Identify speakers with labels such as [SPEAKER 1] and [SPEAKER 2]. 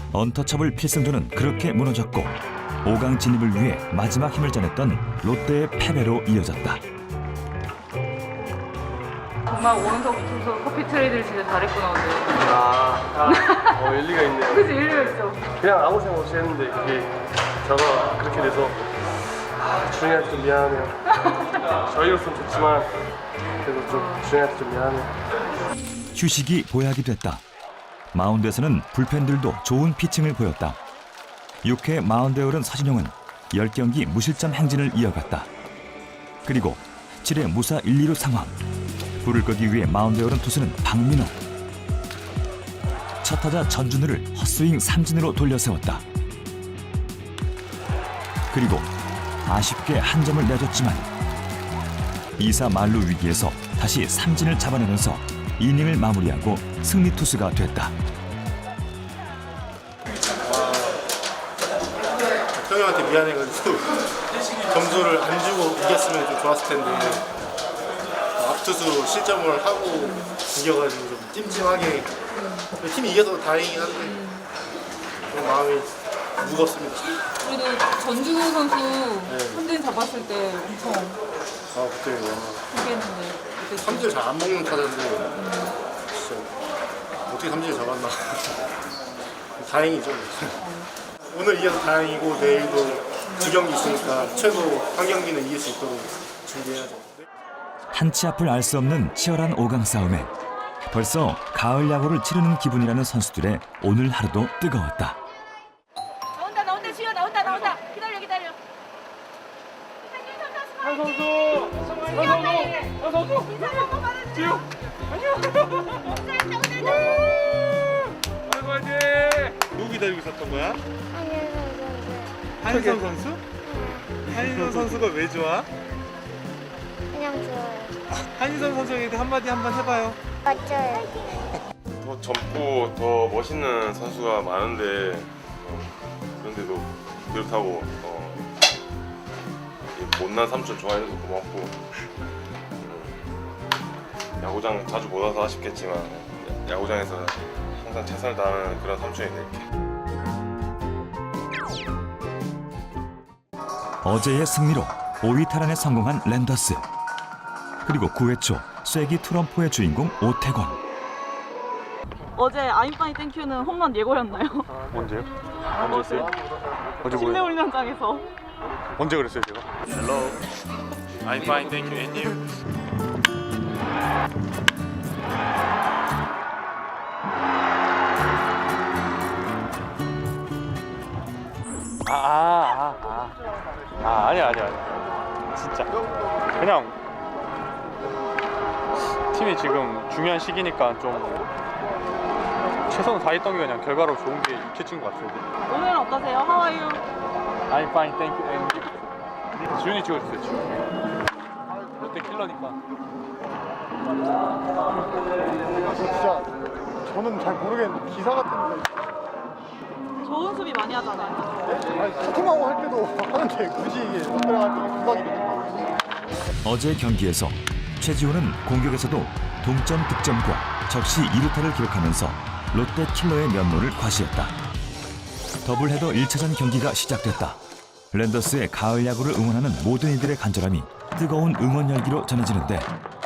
[SPEAKER 1] 언터처블 필승조는 그렇게 무너졌고 5강 진입을 위해 마지막 힘을 짜냈던 롯데의 패배로 이어졌다.
[SPEAKER 2] 정말 오른쪽 투수 커피 트레이드를 진짜 잘했구나 오늘.
[SPEAKER 3] 일리가 있네요.
[SPEAKER 2] 그치 일리가 있죠.
[SPEAKER 3] 그냥 아무 생각 없이 했는데 그게 저가 그렇게 돼서 주영이한테 좀 미안하네요. 저희로서는 좋지만 그래도 좀 주영이한테 좀 미안해요.
[SPEAKER 1] 휴식이 보약이 됐다. 마운드에서는 불펜들도 좋은 피칭을 보였다. 6회 마운드에 오른 서진용은 10경기 무실점 행진을 이어갔다. 그리고 7회 무사 1, 2루 상황. 불을 끄기 위해 마운드에 오른 투수는 박민호. 첫 타자 전준우를 헛스윙 삼진으로 돌려세웠다. 그리고 아쉽게 한 점을 내줬지만 2사 만루 위기에서 다시 삼진을 잡아내면서 이닝을 마무리하고 승리 투수가 됐다.
[SPEAKER 4] 형님한테 미안해가지고 점수를 안 주고 이겼으면 좀 좋았을 텐데 앞투수 실점을 하고 이겨가지고 좀 찜찜하게 팀이 이겨서 다행이긴 한데 좀 마음이 무겁습니다.
[SPEAKER 2] 그래도 전준우 선수 삼진 잡았을 때 엄청
[SPEAKER 4] 그때
[SPEAKER 2] 포기했는데 그때
[SPEAKER 4] 삼진을 잘 안 먹는 타자인데 진짜 어떻게 삼진을 잡았나. 다행이죠. 오늘 이겨서 다행이고 내일도 2경기 있으니까 최소 한 경기는 이길 수 있도록 준비해야죠.
[SPEAKER 1] 한치 앞을 알 수 없는 치열한 5강 싸움에 벌써 가을 야구를 치르는 기분이라는 선수들의 오늘 하루도 뜨거웠다.
[SPEAKER 5] 나온다 지효 나온다 기다려
[SPEAKER 3] 한 선수 지우 아이고 화이팅.
[SPEAKER 4] 누구 기다리고 있었던 거야?
[SPEAKER 3] 한희선 선수? 한희선 선수가 왜 좋아?
[SPEAKER 5] 그냥 좋아요.
[SPEAKER 3] 한희선 선수에게 한마디 한번 해봐요.
[SPEAKER 5] 맞죠?
[SPEAKER 6] 더 젊고 더 멋있는 선수가 많은데 그런데도 그렇다고 이 못난 삼촌 좋아해줘서 고맙고 야구장 자주 못 와서 아쉽겠지만 야구장에서 항상 최선을 다하는 그런 삼촌이 될게.
[SPEAKER 1] 어제의 승리로 5위 탈환에 성공한 랜더스. 그리고 9회 초 쐐기 트럼프의 주인공 오태권.
[SPEAKER 2] 어제 아임파이 땡큐는 홈런 예고였나요?
[SPEAKER 3] 언제요?
[SPEAKER 2] 어제
[SPEAKER 3] 어제
[SPEAKER 2] 실내 훈련장에서.
[SPEAKER 3] 언제 그랬어요 제가?
[SPEAKER 6] Hello, I'm fine, thank you, and you?
[SPEAKER 3] 아니야 진짜 그냥 팀이 지금 중요한 시기니까 좀 최선을 다했던 게 그냥 결과로 좋은 게 익혀진 것 같은데.
[SPEAKER 2] 오늘은 어떠세요? How are you?
[SPEAKER 3] I'm fine, thank you, and you? 지훈이 찍어주세요. 지훈이 롯데 킬러니까.
[SPEAKER 4] 진짜 저는 잘 모르겠는데 기사 같은데
[SPEAKER 2] 좋은 수비 많이 하잖아요.
[SPEAKER 4] 채팅하고 할 때도 하는데 굳이 이게 들어갈 때가 부각이 되는 거예요.
[SPEAKER 1] 어제 경기에서 최지호는 공격에서도 동점 득점과 적시 2루타를 기록하면서 롯데 킬러의 면모를 과시했다. 더블헤더 1차전 경기가 시작됐다. 랜더스의 가을 야구를 응원하는 모든 이들의 간절함이 뜨거운 응원 열기로 전해지는데